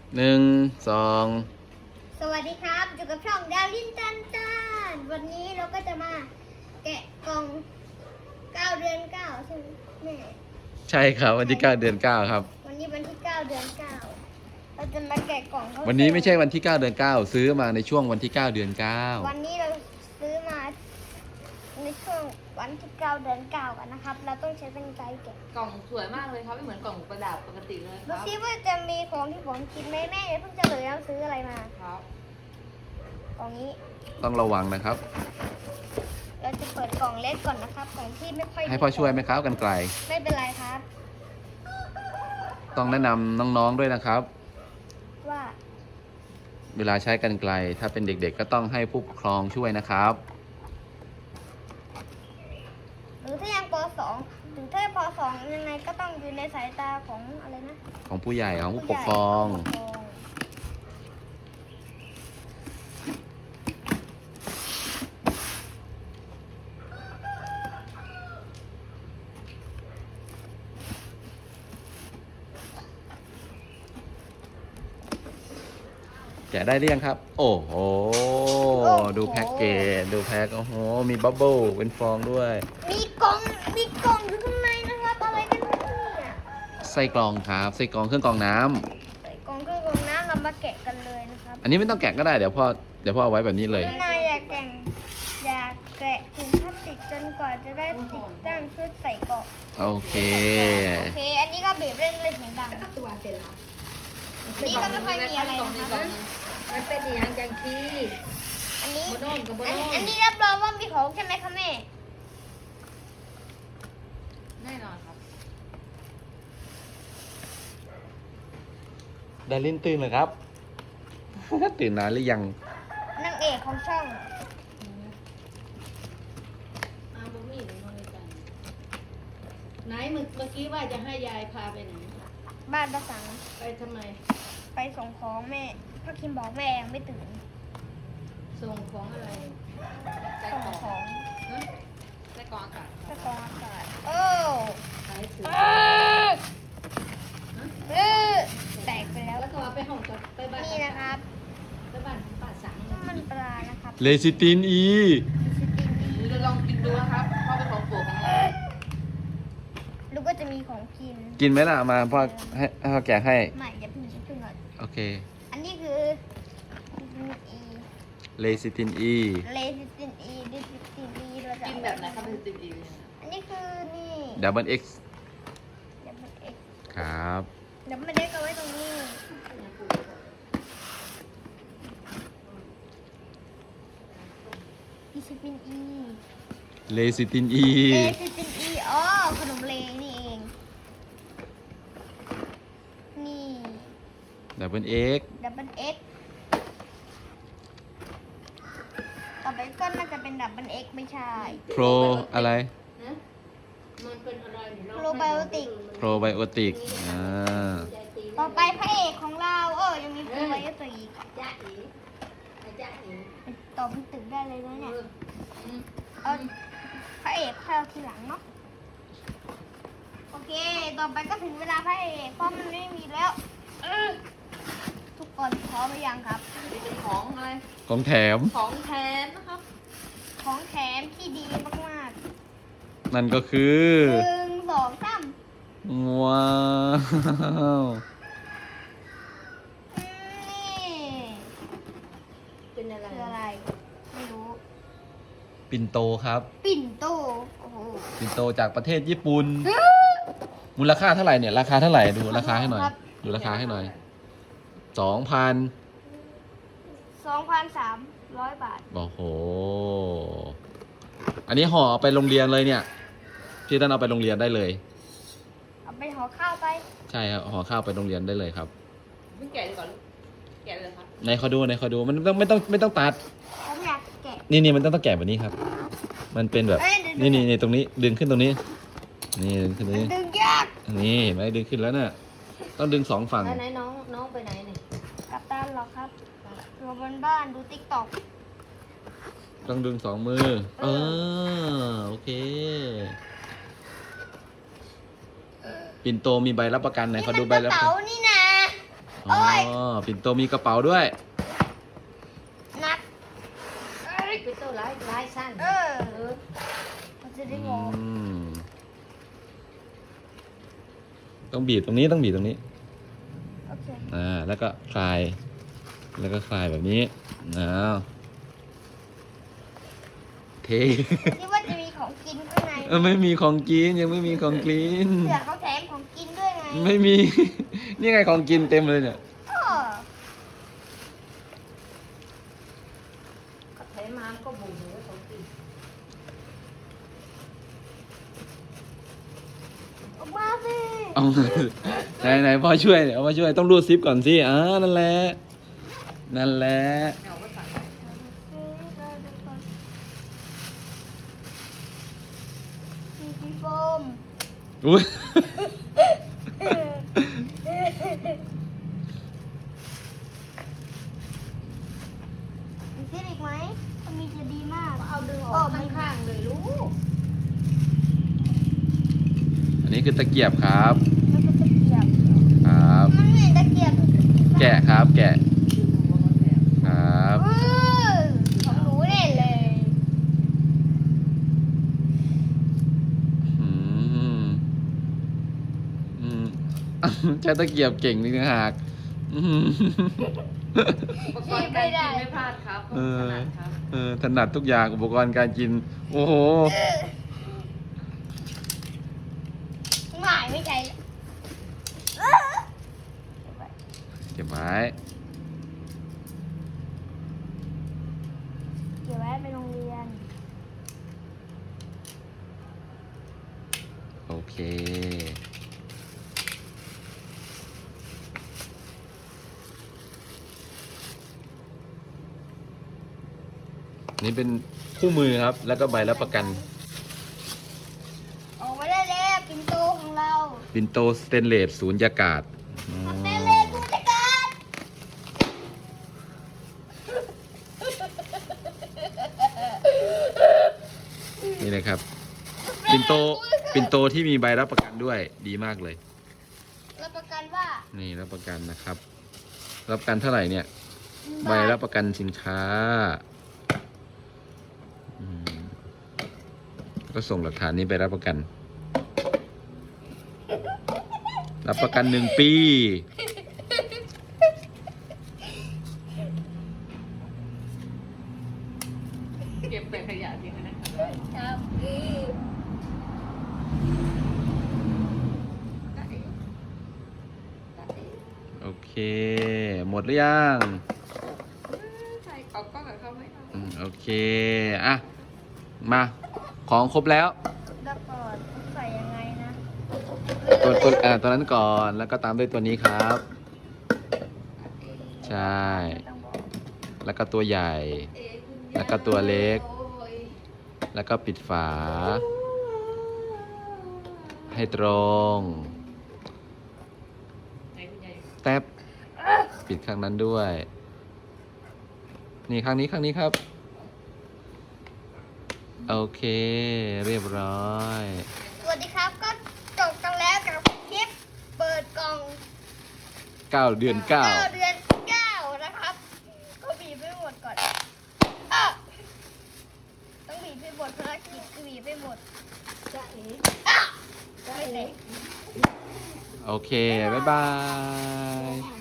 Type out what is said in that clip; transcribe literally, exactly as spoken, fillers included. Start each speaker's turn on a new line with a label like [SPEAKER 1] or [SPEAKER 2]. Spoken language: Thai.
[SPEAKER 1] หนึ่งสอง
[SPEAKER 2] สวัสดีครับอยู่กับช่องดาวลินตันตันวันนี้เราก็จะมาแกะกล่องเก้าเดือนเก้าใช่ไหมแม่
[SPEAKER 1] ใช่ครับวันที่เก้าเดือนเก้าครับ
[SPEAKER 2] วันนี้วันที่เก้าเดือนเก้าเราจะมาแกะกล่องเขา
[SPEAKER 1] วันนี้ไม่ใช่วันที่เก้าเดือนเก้าซื้อมาในช่วงวันที่เก้าเดือนเก้า
[SPEAKER 2] วันนี้เราซื้อมาในช่วงวันที่เก้าเดือนเก้ากันนะครับ เราต้องใช้เป็นไกแกะ
[SPEAKER 3] กล่องสวยมากเลยครับไม่เหมือนกล่องประดับปกติเลยค
[SPEAKER 2] ดู
[SPEAKER 3] รับ
[SPEAKER 2] ซิว่าจะมีของที่ผมคิดไหมแม่เดี๋ยวเพิ่งจะเลยเราซื้ออะไรมา
[SPEAKER 3] ครับ
[SPEAKER 2] กล่องนี้
[SPEAKER 1] ต้องระวังนะครับ
[SPEAKER 2] เราจะเปิดกล่องเล็กก่อนนะครับกล่องที่ไม่ค่อย
[SPEAKER 1] ให้พ่อช่วยไหมครับกันไกล
[SPEAKER 2] ไม่เป็นไรครับ
[SPEAKER 1] ต้องแนะนำน้องๆด้วยนะครับ
[SPEAKER 2] ว่า
[SPEAKER 1] เวลาใช้กันไกล ถ้าเป็นเด็กๆก็ต้องให้ผู้ปกครองช่วยนะครับ
[SPEAKER 2] หรือถ้ายังป สองถึงถ้าป สองยังไงก็ต้องอยู่ในสายตาของอะไรนะ
[SPEAKER 1] ของผู้ใหญ่ของผู้ปกครอง
[SPEAKER 2] ผู้ใหญ่ผู้ปกครอง
[SPEAKER 1] แกะได้หรือยังครับ โอ้โห ดูแพ็กเกจ ดูแพ็กโอ้โห มีบับเบิ้ลเป็นฟองด้วย
[SPEAKER 2] มีกล่องมีกล่องอยู่ข้างในนะครับอะไรกันเนี่ย
[SPEAKER 1] ไส้กรองครับ ไส้กรองเครื่องกรองน้ำ
[SPEAKER 2] ใส่กล่องเครื่องกรองน้ำเรามาแกะกันเลยนะครับ
[SPEAKER 1] อันนี้ไม่ต้องแกะก็ได้ เดี๋ยวพ่อ เดี๋ยวพ่อเอาไว้แบบนี้เลย
[SPEAKER 2] นายอยากแกะอยากแกะถุงพลาสติกจนกว่าจะได้ติดตั้งเพื่อใส่กล่อง
[SPEAKER 1] โอเค
[SPEAKER 2] โอเค อันนี้ก็บีบเล่นเลยเสียงดัง
[SPEAKER 3] ตัวเสร็จแล้ว
[SPEAKER 2] นี่ก็ไม่ค่อยมีอะไรนะครับ
[SPEAKER 3] มันเป็นอย่างจังคี
[SPEAKER 2] อันนี้
[SPEAKER 3] โบโน่กับโบ
[SPEAKER 2] อัน
[SPEAKER 3] โน่
[SPEAKER 2] อันนี้รับรองว่ามีของใช่ไหมคะแม่
[SPEAKER 3] แน่นอนครับ
[SPEAKER 1] ดารินตื่นเลยครับ ตื่นนานหรือยัง
[SPEAKER 2] นางเอกของช่อง
[SPEAKER 3] อาบุมี่หรือมาเลยกันไหนเมื่อเมื่อกี้ว่าจะให้ยายพาไปไหน
[SPEAKER 2] บ้านประสัง
[SPEAKER 3] ไปทำไม
[SPEAKER 2] ไปส่งของแม่พ่อคิมบอกแม่ยังไม่ตื่น
[SPEAKER 3] ส่งของอะไรใส่
[SPEAKER 2] ส่ง
[SPEAKER 3] กล่อง
[SPEAKER 2] ของ
[SPEAKER 3] ฮะใส่กล่องอากาศ
[SPEAKER 2] ตะกองอากาศโอ้
[SPEAKER 3] ใส่ถือ
[SPEAKER 2] เออเออแตกไปแล้ว
[SPEAKER 3] แล้วก็เอาไปห้องกับไปบ้าน
[SPEAKER 2] นี่นะครับ
[SPEAKER 3] ไปบ้านป้าสัง
[SPEAKER 2] น้ำมันปลานะครับ
[SPEAKER 1] เลซิตินอี
[SPEAKER 3] หรือลองกินดูนะครับเพราะเป็นของโปรดของเรา
[SPEAKER 2] ลูกก็จะมีของกิน
[SPEAKER 1] กินไหมล่ะ มาพ่อให้ให้พ่อแกะให้
[SPEAKER 2] ไม่อย่าเพิ่งอย่าเพิ่งก่อน
[SPEAKER 1] โอเค
[SPEAKER 2] อันนี้คืออี
[SPEAKER 1] เลซิตินอี
[SPEAKER 2] เลซิตินอีดิซิตินอีเราจะ
[SPEAKER 3] กินแบบไหนครับเป็นติดอีก
[SPEAKER 2] อันนี้คือนี่
[SPEAKER 1] ดับเบิลเอ็กซ์
[SPEAKER 2] เดี๋ยวมันเอ็ก
[SPEAKER 1] ครับ
[SPEAKER 2] เดี๋ยวมันเด็กเอาไว้ตรงนี้ดิซิตินอี
[SPEAKER 1] เลซิตินอี
[SPEAKER 2] เลซิตินอีอ๋อขนมเลนี่เอง นี่
[SPEAKER 1] ดับเบิลเอ็กซ์
[SPEAKER 2] ดับเบิลเอ็กต่อไปก็น่าจะเป็นดับเบิลเอ็กไม่ใช่
[SPEAKER 1] โปรอะไร
[SPEAKER 3] นะมันเป็นอะไรเนี่ย
[SPEAKER 2] โปรไบโอติก
[SPEAKER 1] โปรไบโอติก อ่า
[SPEAKER 2] ต่อไปพระเอกของเราเออยังมีโปรไบโอติก
[SPEAKER 3] จ้าอีจ้าอี
[SPEAKER 2] ต่อเป็นตึกได้เลยนะเนี่ย
[SPEAKER 3] อืม
[SPEAKER 2] เอาพระเอกเข้าทีหลังเนาะโอเค ต่อไปก็ถึงเวลาพระเอกเพราะมันไม่มีแล้วเออทุกคนพร้อมหรือยังครับ
[SPEAKER 3] นี่เป็นของอะไร
[SPEAKER 1] ของแถม
[SPEAKER 3] ของแถมนะครับ
[SPEAKER 2] ของแถมที่ดีมาก
[SPEAKER 1] นั่นก็คือ
[SPEAKER 2] ๆหนึ่งสองสาม
[SPEAKER 1] ว้าว
[SPEAKER 2] อืมนี่
[SPEAKER 3] เป็นอะไร
[SPEAKER 2] คืออะไร ไม่รู้
[SPEAKER 1] ปิ่นโตครับ
[SPEAKER 2] ปิ่นโตโอ้โห
[SPEAKER 1] ปิ่นโตจากประเทศญี่ปุ่น มูลค่าเท่าไหร่เนี่ย ราคาเท่าไหร่ ดูราคาให้หน่อย ดูราคาให้หน่อย สองพัน
[SPEAKER 2] สองพันสามร้อยบาท
[SPEAKER 1] โอ้โห อันนี้ห่อเอาไปโรงเรียนเลยเนี่ย พี่ท่านเอาไปโรงเรียนได้เลย
[SPEAKER 2] เอาไปห่อข้าวไป
[SPEAKER 1] ใช่ครับ ห่อข้าวไปโรงเรียนได้เลยครับ
[SPEAKER 3] เพิ่งแกะดีกว่าลูกแกะเลยครับ
[SPEAKER 1] ในขอดูในขอดู มันต้องไม่ต้องไม่ต้องตัด
[SPEAKER 2] ผมอยากแกะ
[SPEAKER 1] นี่นี่มันต้องต้องแกะแบบนี้ครับ มันเป็นแบบ
[SPEAKER 2] เอ้ยเดี๋ยว
[SPEAKER 1] นี่นี่นี่ตรงนี้ ดึงขึ้นตรงนี้ นี่ดึงขึ้นตรงนี้
[SPEAKER 2] ดึงยาก
[SPEAKER 1] นี่เห็นไหมดึงขึ้นแล้วเนี่ยต้องดึงสองฝั่ง
[SPEAKER 3] แล้วไหนน้องน้องไปไหนเนี่ย
[SPEAKER 2] กับตันเหรอครับอยู่บนบ้านดูติ๊กต็อก
[SPEAKER 1] ต้องดึงสองมือ เออโอเค ปิ่นโตมีใบรับประกันไหน
[SPEAKER 2] นี่
[SPEAKER 1] ขอ
[SPEAKER 2] มัน
[SPEAKER 1] ดู
[SPEAKER 2] ก
[SPEAKER 1] ใบ
[SPEAKER 2] ระ
[SPEAKER 1] รับประ
[SPEAKER 2] เป๋า
[SPEAKER 1] กัน
[SPEAKER 2] นี่นะ
[SPEAKER 1] ออ๋อปิ่นโตมีกระเป๋าด้วย
[SPEAKER 2] นัด
[SPEAKER 3] เป็นตัวร้ายร้ายสั้น
[SPEAKER 2] เออ
[SPEAKER 3] เออ
[SPEAKER 2] มันจะได้
[SPEAKER 1] อื
[SPEAKER 2] งง
[SPEAKER 1] มต้องบีบตรงนี้ต้องบีบตรงนี้
[SPEAKER 2] โอเค
[SPEAKER 1] อ่าแล้วก็คลาย แล้วก็คลายแบบนี้อ้าวเท
[SPEAKER 2] คิดว่าจะมีของกินข้างใน
[SPEAKER 1] เออไม่มีของกินยังไม่มีของกิน
[SPEAKER 2] เสือเขาแถมของกินด้วยไง
[SPEAKER 1] ไม่มี นี่ไงของกินเต็มเลยเนี่ย
[SPEAKER 2] เออ
[SPEAKER 3] ก็แถมมาก็บุ๋มเลยของกิน
[SPEAKER 2] ออกมาสิ
[SPEAKER 1] เอา ไหนไหนพ่อช่วยเอามาช่วยต้องรูดซิปก่อนสิอ่านั่นแหละนั่นแหละ
[SPEAKER 3] เอาก็สั่ง
[SPEAKER 2] มีสีโฟม
[SPEAKER 1] อุ้ย
[SPEAKER 2] มีซิปอีกไหมถ้ามีจะดีมาก
[SPEAKER 3] เอาดึงออกข้างๆเลยลูก
[SPEAKER 1] อันนี้คือตะเกียบครับ
[SPEAKER 2] มันก็ตะเกียบ
[SPEAKER 1] ครับ
[SPEAKER 2] มันเหมือนตะเกียบ
[SPEAKER 1] แกะครับ แกะครับ
[SPEAKER 2] เออของหนูเน่เลย
[SPEAKER 1] อืมอืม ใช้ตะเกียบเก่งนี่ต่างหากอืม
[SPEAKER 3] อุปกรณ์การกินไม่พลาดครับ
[SPEAKER 1] เออ
[SPEAKER 3] ขนาดครับ
[SPEAKER 1] เออถนัดทุกอย่างอุปกรณ์การกิน โอ้โห
[SPEAKER 2] ไม่ไม่ใช่เออ
[SPEAKER 1] เก็บไว้
[SPEAKER 2] เก็บไว้ไปโรงเรียน
[SPEAKER 1] โอเค นี่เป็นคู่มือครับ แล้วก็ใบรับประกัน
[SPEAKER 2] ออกมาได้แล้วปิ่นโตของเรา
[SPEAKER 1] ปินโตสเตนเลสศูนย์ยากาศอืม
[SPEAKER 2] เต้นเลนผู้จัดการ
[SPEAKER 1] นี่นะครับ ปินโต ปินโตที่มีใบรับประกันด้วยดีมากเลย
[SPEAKER 2] รับประกันว่า
[SPEAKER 1] นี่รับประกันนะครับ รับประกันเท่าไหร่เนี่ย ใบรับประกันสินค้าอืมก็ส่งหลักฐานนี้ไปรับประกัน รับประกันหนึ่งปี
[SPEAKER 3] เก็บแต่ขยะทิ้งนะครับ
[SPEAKER 2] ครับ
[SPEAKER 1] โอเค หมดหรือยัง
[SPEAKER 3] ใส่เขาก็กับเขาไม่เอา
[SPEAKER 1] อืมโอเค อ่ะ มา ของครบแล้ว
[SPEAKER 2] แล้วก่อนใส่ยังไงนะ
[SPEAKER 1] ตัวตัวอ่าตัวนั้นก่อน แล้วก็ตามด้วยตัวนี้ครับ ใช่
[SPEAKER 2] ต้องบอก
[SPEAKER 1] แล้วก็ตัวใหญ่
[SPEAKER 3] เอ๊ะคุณยาย
[SPEAKER 1] แล้วก็ตัวเล็ก
[SPEAKER 3] โอ้ย
[SPEAKER 1] แล้วก็ปิดฝา ให้ตรง
[SPEAKER 3] ไหนคุณยาย
[SPEAKER 1] แทบปิดข้างนั้นด้วย นี่ข้างนี้ข้างนี้ครับ โอเค เรียบร้อย
[SPEAKER 2] สวัสดีครับก็จบกันแล้วกับคลิปเปิดกล่อง
[SPEAKER 1] เก้าเดือนเก้า
[SPEAKER 2] เดือนเก้านะครับ ก็บีบไปหมดก่อนอ่ะต้องบีบไปหมดภารกิจคือบีบไปหมด
[SPEAKER 3] จ๊ะเอ๋
[SPEAKER 2] อ่ะ
[SPEAKER 3] จ๊ะ
[SPEAKER 2] ไม่
[SPEAKER 3] เอ๋
[SPEAKER 2] เสร็จ
[SPEAKER 1] โอเค บ๊ายบาย